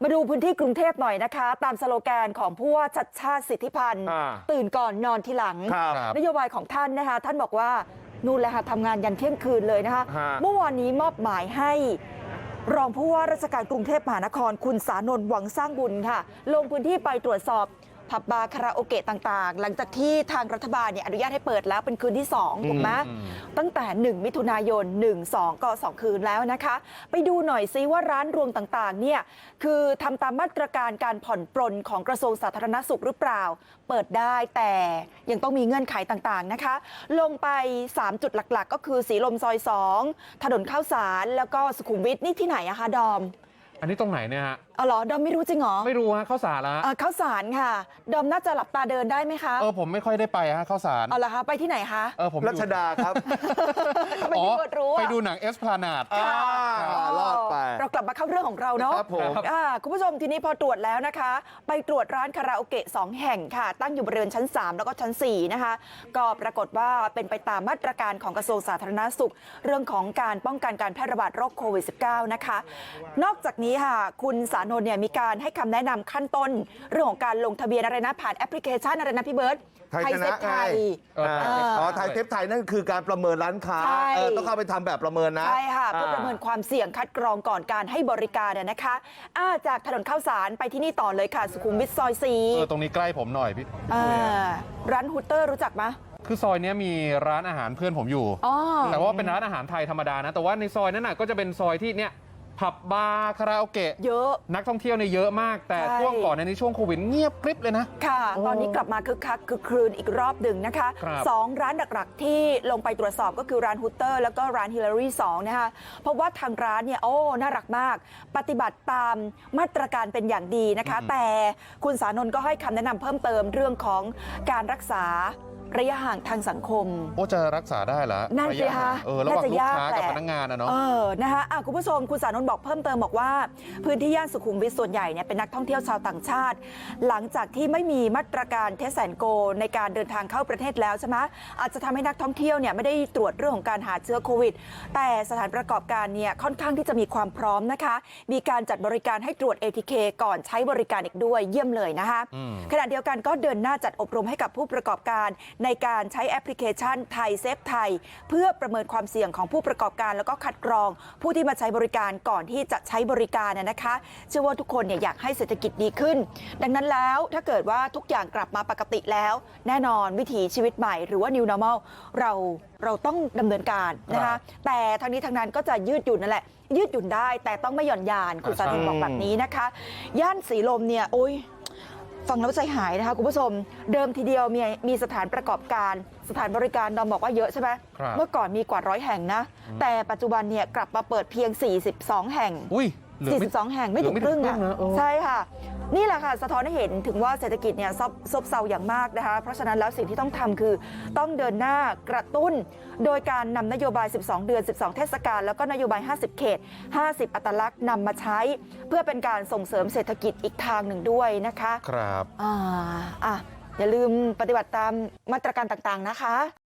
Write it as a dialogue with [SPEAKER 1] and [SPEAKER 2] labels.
[SPEAKER 1] มาดูพื้นที่กรุงเทพหน่อยนะคะตามสโลแกนของผู้ว่าชัชชาติสิทธิพันธ์ตื่นก่อนนอนทีหลังนโยบายของท่านนะคะท่านบอกว่านู่นแหละค่ะทำงานยันเที่ยงคืนเลยนะคะเมื่อวานนี้มอบหมายให้รองผู้ว่าราชการกรุงเทพมหานครคุณสานนท์หวังสร้างบุญค่ะลงพื้นที่ไปตรวจสอบผับบาร์คาราโอเกะต่างๆหลังจากที่ทางรัฐบาลอนุญาตให้เปิดแล้วเป็นคืนที่2ถูกไหมตั้งแต่1มิถุนายน1-2ก็2คืนแล้วนะคะไปดูหน่อยซิว่าร้านรวงต่างๆเนี่ยคือทำตามมาตรการการผ่อนปรนของกระทรวงสาธารณสุขหรือเปล่าเปิดได้แต่ยังต้องมีเงื่อนไขต่างๆนะคะลงไป3จุดหลักๆก็คือสีลมซอย2ถนนข้าวสารแล้วก็สุขุมวิทนี่ที่ไหนอะคะดอม
[SPEAKER 2] อันนี้ตรงไหนเนี่ยฮะ
[SPEAKER 1] อ๋อเหรอดอมไม่รู้จริงเหรอ
[SPEAKER 2] ไม่รู้ฮะข้าวสารละ
[SPEAKER 1] ข้าวสารค่ะดอมน่าจะหลับตาเดินได้ไหมคะ
[SPEAKER 2] ผมไม่ค่อยได้ไปฮะข้าวสาร
[SPEAKER 1] อ๋อเหรอคะไปที่ไหนคะ
[SPEAKER 2] ผม
[SPEAKER 3] รัชดาครับ
[SPEAKER 2] ไปดูหนังเอสพลานาด
[SPEAKER 3] รอดไป
[SPEAKER 1] เรากลับมาเข้าเรื่องของเราเนาะคุณผู้ชมทีนี้พอตรวจแล้วนะคะไปตรวจร้านคาราโอเกะ2แห่งค่ะตั้งอยู่บริเวณชั้น3แล้วก็ชั้น4นะคะก็ปรากฏว่าเป็นไปตามมาตรการของกระทรวงสาธารณสุขเรื่องของการป้องกันการแพร่ระบาดโรคโควิด -19 นะคะนอกจากนี้ค่ะคุณสานนท์มีการให้คำแนะนำขั้นต้นเรื่องของการลงทะเบียนอะไรนะผ่านแอปพลิเคชันอะไรนะพี่เบิร์ต
[SPEAKER 3] ไทยเซฟไทยไทยเซฟไทยนั่นคือการประเมินร้านค้าต้องเข้าไปทำแบบประเมินนะ
[SPEAKER 1] ใช่ค่ะเพื่อประเมินความเสี่ยงคัดกรองก่อนการให้บริการนะคะจากถนนข้าวสารไปที่นี่ต่อเลยค่ะสุขุมวิทซอย4
[SPEAKER 2] ตรงนี้ใกล้ผมหน่อยพี่
[SPEAKER 1] ร้านฮูเตอร์รู้จักไหม
[SPEAKER 2] คือซอยนี้มีร้านอาหารเพื่อนผมอยู่แต่ว่าเป็นร้านอาหารไทยธรรมดานะแต่ว่าในซอยนั้นก็จะเป็นซอยที่เนี่ยผับบาร์คาราโอเกะ
[SPEAKER 1] เยอะ
[SPEAKER 2] นักท่องเที่ยวเนี่ยเยอะมากแต่ช่วงก่อนในช่วงโควิดเงียบกริบเลยนะ
[SPEAKER 1] ค่ะตอนนี้กลับมาคึกคักคือคลืนอีกรอบหนึ่งนะคะ2ร้านหลักๆที่ลงไปตรวจสอบก็คือร้านฮูเตอร์แล้วก็ร้านฮิลลารี2นะคะเพราะว่าทางร้านเนี่ยน่ารักมากปฏิบัติตามมาตรการเป็นอย่างดีนะคะแต่คุณสานนท์ก็ให้คำแนะนำเพิ่มเติมเรื่องของการรักษาระยะห่างทางสังคม
[SPEAKER 2] จะรักษาได้เหรอ
[SPEAKER 1] นั่นสิคะ
[SPEAKER 2] ระหว่างลูกค้ากับพนักงานนะเนาะ
[SPEAKER 1] นะคะคุณผู้ชมคุณสานนท์บอกเพิ่มเติมบอกว่าพื้นที่ย่านสุขุมวิทส่วนใหญ่เนี่ยเป็นนักท่องเที่ยวชาวต่างชาติหลังจากที่ไม่มีมาตรการเทสแอนโกในการเดินทางเข้าประเทศแล้วใช่ไหมอาจจะทำให้นักท่องเที่ยวเนี่ยไม่ได้ตรวจเรื่องของการหาเชื้อโควิดแต่สถานประกอบการเนี่ยค่อนข้างที่จะมีความพร้อมนะคะมีการจัดบริการให้ตรวจ ATK ก่อนใช้บริการอีกด้วยเยี่ยมเลยนะคะขณะเดียวกันก็เดินหน้าจัดอบรมให้กับผู้ประกอบการในการใช้แอปพลิเคชันไทยเซฟไทยเพื่อประเมินความเสี่ยงของผู้ประกอบการแล้วก็คัดกรองผู้ที่มาใช้บริการก่อนที่จะใช้บริการนะคะเชื่อว่าทุกคนอยากให้เศรษฐกิจดีขึ้นดังนั้นแล้วถ้าเกิดว่าทุกอย่างกลับมาปกติแล้วแน่นอนวิถีชีวิตใหม่หรือว่า New Normal เราต้องดำเนินการนะคะแต่ทั้งนี้ทั้งนั้นก็จะยืดหยุ่นนั่นแหละยืดหยุ่นได้แต่ต้องไม่หย่อนยานคุณสาธิตบอกแบบนี้นะคะย่านสีลมเนี่ยโอ้ยฟังแล้วใจหายนะคะคุณผู้ชมเดิมทีเดียวมีสถานประกอบการสถานบริการดอมบอกว่าเยอะใช่ไหมเมื่อก่อนมีกว่า100แห่งนะแต่ปัจจุบันเนี่ยกลับมาเปิดเพียง42แห่ง42แห่งไม่ถึงครึ่งนะใช่ค่ะนี่แหละค่ะสะท้อนให้เห็นถึงว่าเศรษฐกิจเนี่ยซบเซาอย่างมากนะคะเพราะฉะนั้นแล้วสิ่งที่ต้องทำคือต้องเดินหน้ากระตุ้นโดยการนำนโยบาย12เดือน12เทศกาลแล้วก็นโยบาย50เขต50อัตลักษณ์นำมาใช้เพื่อเป็นการส่งเสริมเศรษฐกิจอีกทางหนึ่งด้วยนะคะ
[SPEAKER 2] ครับ
[SPEAKER 1] อย่าลืมปฏิบัติตามมาตรการต่างๆนะคะ